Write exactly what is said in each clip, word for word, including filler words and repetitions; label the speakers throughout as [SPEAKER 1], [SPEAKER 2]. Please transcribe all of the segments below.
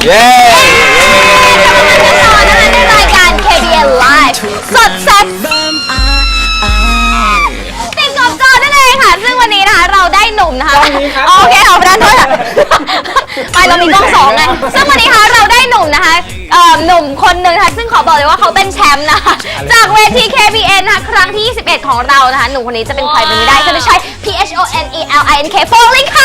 [SPEAKER 1] เย้
[SPEAKER 2] ในรายการ เค บี เอ็น Live สดแซ่บติดกอบกอนั่นเองค่ะซึ่งวันนี้นะคะเราได้หนุ่มนะคะโอเคเอาไปด้านโน้นไปเรามีกล้องสองไงซึ่งวันนี้ค่ะเราได้หนุ่มนะคะหนุ่มคนหนึ่งค่ะซึ่งขอบอกเลยว่าเขาเป็นแชมป์นะคะจากเวที เค บี เอ็น นะคะครั้งที่ยี่สิบเอ็ดของเรานะคะหนุ่มคนนี้จะเป็นใครไปไม่ได้จะไม่ใช่ P H O N E L I N K โฟลิงค่ะ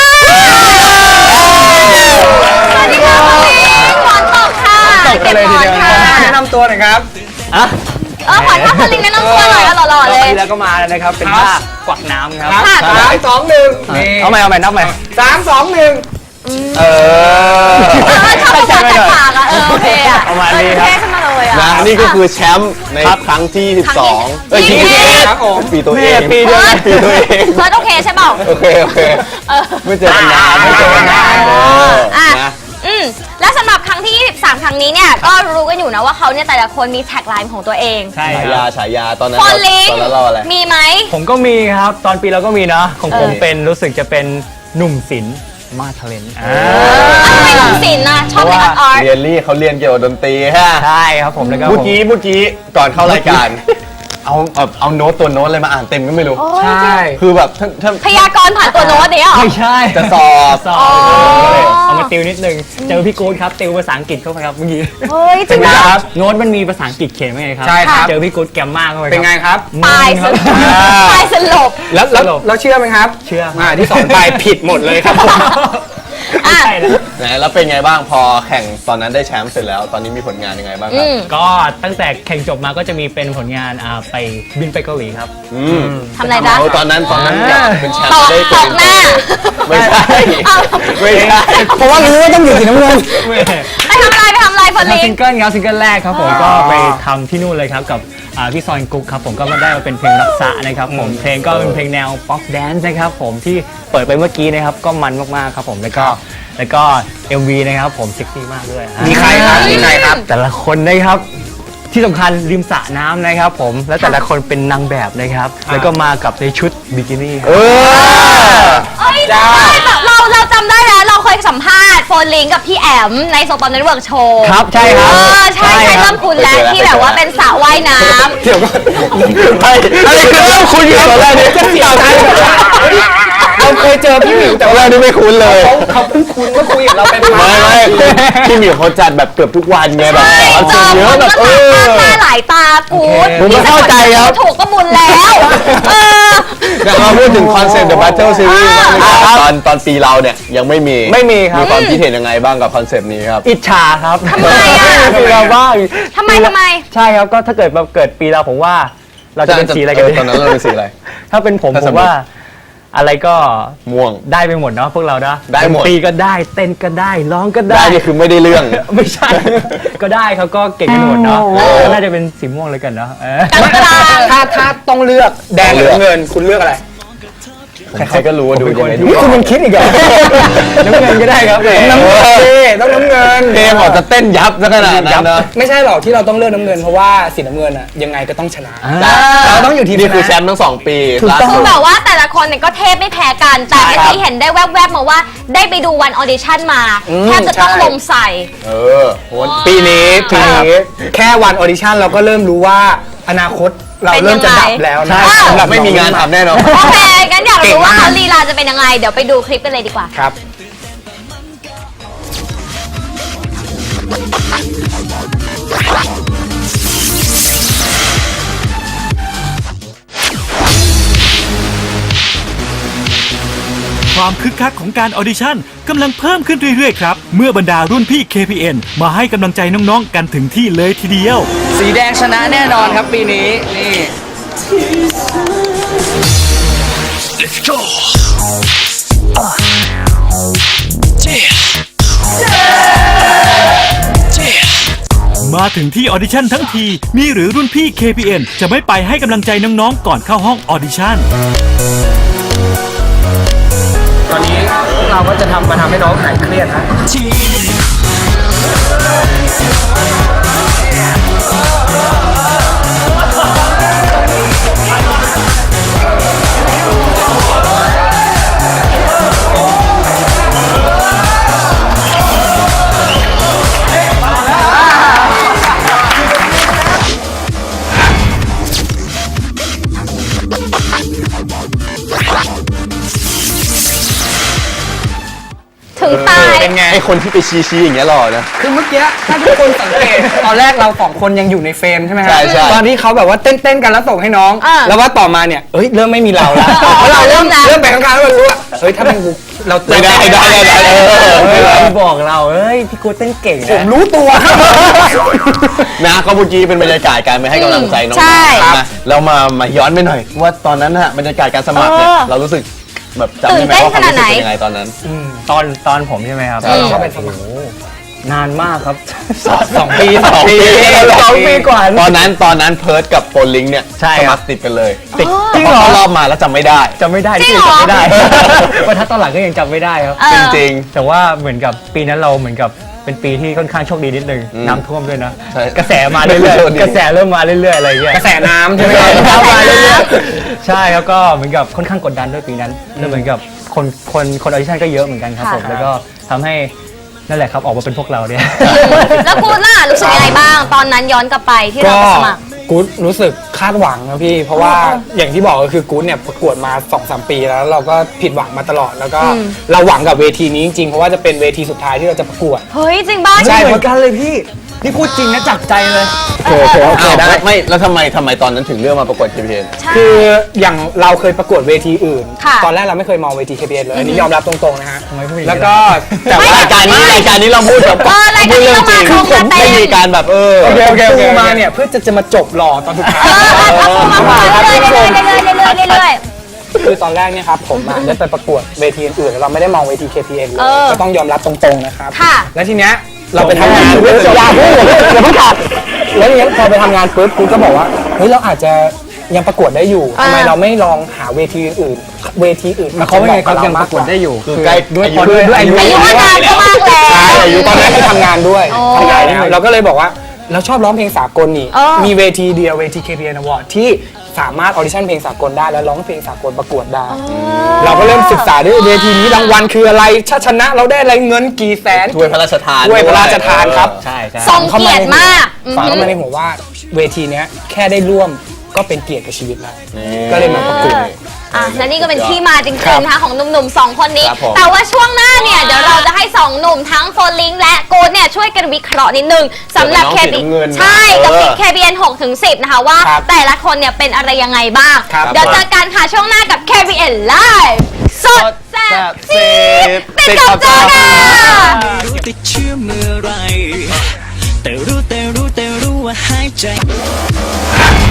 [SPEAKER 2] สวัสดีค่ะโฟลิงหมอนตกค่ะเก็บหมอนค่ะ
[SPEAKER 3] แนะนำตัวหน่อยครับ
[SPEAKER 2] อ่ะเออขอท่าโฟลิงแนะนำตัวหน่อยหล่อๆเลย
[SPEAKER 3] แล้วก็มานะครับเป็นท่ากวักน้ำครับสามสองหนึ่ง
[SPEAKER 1] เอาใหม่เอาใหม่นับใหม่
[SPEAKER 3] สามสองหนึ่ง
[SPEAKER 1] เออ
[SPEAKER 2] ชอบภาษาแตกปากอ่ะเออโอเคอ่ะ
[SPEAKER 1] ประมาณนี้ครับนะนี่ก็คือแชมป์ในครั้งที่สิบสองเอ้ยยี่สิบเอ็ดครับผมปีตัวเอง
[SPEAKER 2] ปี
[SPEAKER 1] เดียวปีตัวเอง
[SPEAKER 2] เฟิร์สโอเคใช่เปล่า
[SPEAKER 1] โอเคโอเคไม่เจอกันนานไม่เจอกันนาน
[SPEAKER 2] อ่ะอืมและสำหรับครั้งที่ยี่สิบสามครั้งนี้เนี่ยก็รู้กันอยู่นะว่าเขาเนี่ยแต่ละคนมีแท็กไลน์ของตัวเอง
[SPEAKER 1] ใช่ฉายาฉายาตอนนั้น
[SPEAKER 2] ตอนนั้น
[SPEAKER 1] เราอะไร
[SPEAKER 2] มีไหม
[SPEAKER 3] ผมก็มีครับตอนปีเราก็มีนะของผมเป็นรู้สึกจะเป็นหนุ่มศิลป์มาทะเลนอ่า
[SPEAKER 2] ทำไมหนุ่มศิลป์นะชอบเล่นอาร์ต
[SPEAKER 1] เรียนรี่เขาเรียนเกี่ยวกับดนตรีฮะ
[SPEAKER 3] ใช่ครับผมแล้วก็
[SPEAKER 1] เมื่อกี้เมื่อกี้ก่อนเข้ารายการเอาแบบเอาโน้ตตัวโน้ตอะไรมาอ่านเต็มก็ไม่รู้
[SPEAKER 3] ใช่
[SPEAKER 1] คือแบบถ้า
[SPEAKER 2] พยากรณ์ผ่านตัวโน้ตเนี่ยหรอ
[SPEAKER 3] ไม่ใช่
[SPEAKER 1] จะสอบ
[SPEAKER 3] สอบเอามาติวนิดนึงเจอพี่กู๊ดครับติวภาษาอังกฤษเข้าไปครับเมื่อกี้
[SPEAKER 2] เฮ้ยจริง
[SPEAKER 3] ครับโน้ตมันมีภาษาอังกฤษเขียนไว้ไงครับ
[SPEAKER 1] ใช่ครับ
[SPEAKER 3] เจอพี่กู๊ดแกมมากเข้าไป
[SPEAKER 1] เป็นไงครับ
[SPEAKER 2] ตายสลบตายสลบ
[SPEAKER 3] แล้ว
[SPEAKER 1] แล้วเชื่อไหมครับ
[SPEAKER 3] เชื่อ
[SPEAKER 1] มาที่สอนไปผิดหมดเลยครับ
[SPEAKER 3] ใช่แล้ว
[SPEAKER 1] แล้วเป็นไงบ้างพอแข่งตอนนั้นได้แชมป์เสร็จแล้วตอนนี้มีผลงานยังไงบ้างครับ
[SPEAKER 3] ก็ตั้งแต่แข่งจบมาก็จะมีเป็นผลงานไปบินไปเกาหลีครับ
[SPEAKER 2] ทำอะไรจ๊ะ
[SPEAKER 1] ตอนนั้นตอนนั้นเป็นแชมป์
[SPEAKER 2] ได้ตกหน้า
[SPEAKER 1] ไม่ใช่ไม่ใช่
[SPEAKER 3] เพราะว่ารู้ว่าต้องอยู่สีน้ำเงิน
[SPEAKER 2] ไปทำอะไรไปทำอะไรคนนี้
[SPEAKER 3] ซิงเกิลครับซิงเกิลแรกครับผมก็ไปทำที่นู่นเลยครับกับพี่ซอยกุ๊กครับผมก็มาได้มาเป็นเพลงรักษานะครับผมเพลงก็เป็นเพลงแนวป๊อปแดนซ์นะครับผมที่เปิดไปเมื่อกี้นะครับก็มันมากๆครับผมแล้วก็แล้วก็ เอ็ม วี นะครับผมเซ็กซี่มากด้วย
[SPEAKER 1] มีใครครับมีใครครับ
[SPEAKER 3] แต่ละคนนะครับที่สำคัญริมสระน้ำนะครับผมและแต่ละคนเป็นนางแบบนะครับแล้วก็มากับในชุดบิกินี่
[SPEAKER 1] เออ
[SPEAKER 2] เอ้ยแบบเราเราจำได้แล้วเราเคยสัมภาษณ์โฟนลิงกับพี่แอมในโซปอมเน็ตเวิร์กโชว์
[SPEAKER 3] ครับใช่ครับ
[SPEAKER 2] เออใช่ใช่เริ่มคุ้นแล้วที่แบบว่าเป็นสระว่ายน้ำ
[SPEAKER 1] เดี๋ยวก่อนอะไรคือเริ่มคุ้นอยู่ตอนแรกนี่
[SPEAKER 3] จะเสียวใจ
[SPEAKER 1] เราเคยเจอพี่หมิวแต่ว่านี่ไม่คุ้นเลย
[SPEAKER 3] เขาเพิ่งคุ้นว่าคุยกับเราเป็น
[SPEAKER 1] ไม่ไม่พี่หมิวเขาจัดแบบเกือบทุกวันไงแบบ
[SPEAKER 2] เจอเยอะแบบเออตาหลายตากู
[SPEAKER 1] ผมไม่เข้าใจครับ
[SPEAKER 2] ถูกก็บุญแล้วเออ
[SPEAKER 1] แต่เราพูดถึงคอนเซ็ปต์ The Battle Series ตอนตอนปีเราเนี่ยยังไม่มี
[SPEAKER 3] ไม่มีครับ
[SPEAKER 1] มีความคิดเห็นยังไงบ้างกับคอนเซ็ปต์นี้ครับ
[SPEAKER 3] อิจฉาครับ
[SPEAKER 2] ทำไมอ่ะ
[SPEAKER 3] ปีเราบ้าง
[SPEAKER 2] ทำไมทำไม
[SPEAKER 3] ใช่ครับก็ถ้าเกิดเกิดปีเราผมว่าเราจะเป็นสีอะไรกัน
[SPEAKER 1] ตอนนั้นเราเป็นสีอะไร
[SPEAKER 3] ถ้าเป็นผมผมว่าอะไรก็
[SPEAKER 1] ม่วง
[SPEAKER 3] ได้ไปหมดเนาะพวกเราเนาะ
[SPEAKER 1] ได้หมด
[SPEAKER 3] ตีก็ได้เต้นก็ได้ร้องก็ได้
[SPEAKER 1] ได้นี่คือไม่ได้เรื่อง
[SPEAKER 3] ไม่ใช่ก็ได้เขาก็เก่งกันหมดเนาะน่าจะเป็นสีม่วงเลยกันเนาะ
[SPEAKER 1] ถ้าถ้าต้องเลือกแดงหรือเงินคุณเลือกอะไรใครก็รู้ว่าดูยังไงดู
[SPEAKER 3] คุณมันคิดอีกเหรอน้ำเงินก็ได้ครับ
[SPEAKER 1] น้ำเงินต้องน้ำเงินเกมออกจะเต้นยับซะขนาดนั้นนะ
[SPEAKER 4] ไม่ใช่หรอกที่เราต้องเลือกน้ำเงินเพราะว่าสีน้ำเงินอะยังไงก็ต้องชนะเราต้องอยู่ทีม
[SPEAKER 1] นี่คือแชมป์ทั้งสองปี
[SPEAKER 2] คือแบบว่าแต่ละคนเนี่ยก็เทพไม่แพ้กันแต่เมื่อกี้เห็นได้แวบๆมาว่าได้ไปดูวันออดิชั่นมาแทบจะต้องลมใส่
[SPEAKER 1] เออปีนี้
[SPEAKER 4] ปีนี้แค่วันออดิชั่นเราก็เริ่มรู้ว่าอนาคตเราเริ่มจะดับแล้วนะ
[SPEAKER 1] สำหรับไม่มีงานทำแน่นอน
[SPEAKER 2] โอเคงั้นอยากรู้ว่าเขาลีลาจะเป็นยังไงเดี๋ยวไปดูคลิปกันเลยดีกว่า
[SPEAKER 4] ครับ
[SPEAKER 5] ความคึกคักของการออดิชั่นกำลังเพิ่มขึ้นเรื่อยๆครับเมื่อบรรดารุ่นพี่ เค พี เอ็น มาให้กำลังใจน้องๆกันถึงที่เลยทีเดียว
[SPEAKER 4] สีแดงชนะแน่นอนครับปีนี้นี่ Let's go uh. yeah.
[SPEAKER 5] Yeah. มาถึงที่ออดิชั่นทั้งทีมีหรือรุ่นพี่ เค พี เอ็น จะไม่ไปให้กำลังใจน้องๆก่อนเข้าห้องออดิชั่น
[SPEAKER 4] ตอนนี้เราก็จะทำมาทำให้น้องหายเครียดนะนไง
[SPEAKER 1] ไอคนที่ไปชี้ชี้ๆอย่างเงี้ยหล่อนะ
[SPEAKER 4] คือเมื่อกี้ถ้าทุกคนสังเกต ตอนแรกเราสองคนยังอยู่ในเฟรมใช่ไหมฮะ
[SPEAKER 1] ใช่ใช่
[SPEAKER 4] ตอนที่เขาแบบว่าเต้นๆกันแล้วส่งให้น้อง
[SPEAKER 2] อ่า
[SPEAKER 4] แล้วว่าต่อมาเนี่ยเอ้ยเริ่มไม่มีเราแล้วเพราะเราเริ่ม
[SPEAKER 2] เริ่มแล้ว
[SPEAKER 4] เริ่มไปข้างๆแล้วเรารู้ว่าเฮ้ยถ้าเป็นกูเรา
[SPEAKER 1] ไม่ได้ไม่ได้ไม่ได้เออ
[SPEAKER 3] เฮ้
[SPEAKER 1] ไม่
[SPEAKER 3] ย
[SPEAKER 1] ได้
[SPEAKER 3] พี่บอกเราเอ้ยพี่กูเต้นเก่ง
[SPEAKER 4] ผม
[SPEAKER 3] นะ
[SPEAKER 4] รู้ตัว
[SPEAKER 1] นะก็เมื่อกี้เป็นบรรยากาศการไปให้กำลังใจน้อง
[SPEAKER 2] ใช่
[SPEAKER 1] ๆนะแล้วมามาย้อนไปหน่อย ว่าตอนนั้นฮะบรรยากาศการสมัครเนี่ย
[SPEAKER 2] เออ
[SPEAKER 1] เรารู้สึกแบบจำได้ไหมว่าความรู้สึกเป็นยังไงตอนนั้น
[SPEAKER 3] ตอนตอนผมใช่ไหมครับ
[SPEAKER 1] ใช่
[SPEAKER 4] เขาเป็นสมัคร
[SPEAKER 3] นานมากครับ
[SPEAKER 4] สองปีสอง
[SPEAKER 1] ปี
[SPEAKER 3] สองปีกว่า
[SPEAKER 1] ตอนนั้นตอนนั้นเพิร์ดกับโฟลิงเนี่ย
[SPEAKER 3] ใช่
[SPEAKER 1] ส
[SPEAKER 3] ครับ
[SPEAKER 1] มัครติดกันเลย
[SPEAKER 3] ติด
[SPEAKER 1] จริงเหรอรอบมาแล้วจำไม่ได้
[SPEAKER 3] จำไม่ได้
[SPEAKER 2] จริง
[SPEAKER 3] ที่
[SPEAKER 2] เหรอ
[SPEAKER 3] จำไม่ได้ ว่าถ้าตอนหลังก็ยังจำไม่ได้ครับ
[SPEAKER 2] เออ
[SPEAKER 1] จริง
[SPEAKER 3] แต่ว่าเหมือนกับปีนั้นเราเหมือนกับเป็นปีที่ค่อนข้างโชคดีนิดนึง
[SPEAKER 1] อืม
[SPEAKER 3] น้ำท่วมด้วยนะ
[SPEAKER 1] ใช่
[SPEAKER 3] กระแสมาเรื่อย
[SPEAKER 1] โชคดี
[SPEAKER 3] ๆกระแสเริ่มมาเรื่อยๆอะไรอย่างเงี้ย
[SPEAKER 4] กระแสน้ำใช่ไหม
[SPEAKER 3] กระ
[SPEAKER 4] ครับ
[SPEAKER 3] แสน้ำมาเรื่อยๆใช่แล้วก็เหมือนกับค่อนข้างกดดันด้วยปีนั้นแล้วเหมือนกับคนคนคนออดิชั่นก็เยอะเหมือนกันครับ
[SPEAKER 2] ค่ะ
[SPEAKER 3] ผมแล้วก็ทำให้นั่นแหละครับออกมาเป็นพวกเราเนี่ย
[SPEAKER 2] แล้วกูล่ะรู้สึกยังไงบ้าง ตอนนั้นย้อนกลับไปที่เรา
[SPEAKER 4] ก็
[SPEAKER 2] ไปสมัคร
[SPEAKER 4] กู๊ดรู้สึกคาดหวังนะพี่ เพราะว่าอย่างที่บอกก็คือกู๊ดเนี่ยประกวดมา สองสาม ปีแล้วเราก็ผิดหวังมาตลอดแล้วก็
[SPEAKER 2] อืม
[SPEAKER 4] เราหวังกับเวทีนี้จริงๆเพราะว่าจะเป็นเวทีสุดท้ายที่เราจะประกวด
[SPEAKER 2] เฮ้ยจริงบ้า
[SPEAKER 4] ใช่
[SPEAKER 3] เหมือนกันเลยพี่ นี่พูดจริงนะจากใจเลย
[SPEAKER 2] เออเออ
[SPEAKER 1] อ้าวไม่ไม่แล้วทำไมทำไมตอนนั้นถึงเลือกมาประกวด เค พี เอ็น
[SPEAKER 2] ใช่
[SPEAKER 4] คืออย่างเราเคยประกวดเวทีอื่น
[SPEAKER 2] ค่ะ
[SPEAKER 4] ตอนแรกเราไม่เคยมองเวที เค พี เอ็น เลยอันนี้ยอมรับตรงๆนะฮะ
[SPEAKER 3] ทำไมพูดอย่างนี้
[SPEAKER 4] แล้วก็แต่
[SPEAKER 1] แต่
[SPEAKER 4] ว่า
[SPEAKER 1] ว่ารายการนี้รายการนี้เราพูดแบบ
[SPEAKER 2] เออรายการนี้เรามา
[SPEAKER 1] คือ
[SPEAKER 2] ตรง
[SPEAKER 1] ผ
[SPEAKER 2] กั
[SPEAKER 1] ม
[SPEAKER 2] นเต็ม
[SPEAKER 1] ไม่มีการแบบเออ
[SPEAKER 4] โอเคโอเคโอเค
[SPEAKER 3] โอเค
[SPEAKER 4] มาเนี่ยเพื่อจะจะมาจบหล่อตอนสุดท้าย
[SPEAKER 2] เออเอาเอามามาเรื่อยๆเรื่อยๆเรื่อยๆเรื่อยๆเรื่อย
[SPEAKER 4] คือตอนแรกเนี่ยครับผมอะได้ไปประกวดเวทีอื่นๆเราไม่ได้มองเวที เค พี เอ็น เลย
[SPEAKER 2] เออ
[SPEAKER 4] ก็ต้องยอมรับตรงๆนะครับ
[SPEAKER 2] ค่ะ
[SPEAKER 4] แล้วทีเนี้ยเราไปทำงานอย่าพูดอย่าเพิ่งขาดแล้วทีเนี้ยพอไปทำงานปุ๊บกูก็บอกว่าเฮ้ยเราอาจจะยังประกวดได้อยู่
[SPEAKER 2] อ่า
[SPEAKER 4] ทำไมเราไม่ลองหาเวทีอื่นๆเวทีอื่น
[SPEAKER 3] หมายความว่าไงครับยังประกวดได้อยู่
[SPEAKER 1] คือใกล้
[SPEAKER 3] ด้วย
[SPEAKER 1] อายุ
[SPEAKER 3] พอด้วยด้วยอายุ
[SPEAKER 2] ๆอายุมานานก็มากแล้ว
[SPEAKER 4] ใช่อายุตอนนั้นคือทำงานด้วย
[SPEAKER 2] โอ้
[SPEAKER 4] ทำงานแล้วเราก็เลยบอกว่าเราชอบร้องเพลงสากลนี่
[SPEAKER 2] เออ
[SPEAKER 4] มีเวทีเดียวเวที เค พี เอ็น Award ที่สามารถออดิชั่นเพลงสากลได้แล้วร้องเพลงสากลประกวดได้ เราก็เริ่มศึกษาด้วยเวทีนี้รางวัลคืออะไรถ้าชนะเราได้อะไรเงินกี่แสน
[SPEAKER 1] ถ้วยพระราชทาน
[SPEAKER 4] ถ้วยพระราชทานครับ
[SPEAKER 3] ใช่ใช่
[SPEAKER 2] ทรงเกียรติมากอือ
[SPEAKER 4] ฝัง
[SPEAKER 2] หื
[SPEAKER 4] เข้า
[SPEAKER 2] อ
[SPEAKER 4] มาในหัวว่าเวทีเนี้ยแค่ได้ร่วมก็เป็นเกียรติกับชีวิตแล้ว
[SPEAKER 1] นี่
[SPEAKER 4] ก็เลยมาประกวด
[SPEAKER 2] อ่ะและนี่ก็เป็นที่มาจริง
[SPEAKER 4] ครับ
[SPEAKER 2] ๆนะคะของหนุ่มๆสองคนนี้
[SPEAKER 1] ครับผม
[SPEAKER 2] แต่ว่าช่วงหน้าเนี่ยเดี๋ยวเราจะให้สองหนุ่มทั้งโฟลิงและโกดเนี่ยช่วยกันวิเคราะห์นิดนึงสำหรับ
[SPEAKER 1] เกี่
[SPEAKER 2] เค
[SPEAKER 1] ยวกับน้องสี
[SPEAKER 2] บี
[SPEAKER 1] น้ำเงินนะ
[SPEAKER 2] ใช่กับ
[SPEAKER 1] เออ
[SPEAKER 2] เคบีเอ็นหกถึงสิบนะคะว่า
[SPEAKER 4] ครับ
[SPEAKER 2] แต่ละคนเนี่ยเป็นอะไรยังไงบ้าง
[SPEAKER 4] ครับ
[SPEAKER 2] เดี๋ยวเจอกันค่ะช่วงหน้ากับ เค บี เอ็น Live สดแซ่บซีดติดกับจอค่ะ
[SPEAKER 6] รู้ติดเชื้อเมื่อไร แต่รู้แต่รู้แต่รู้ว่าหายใจ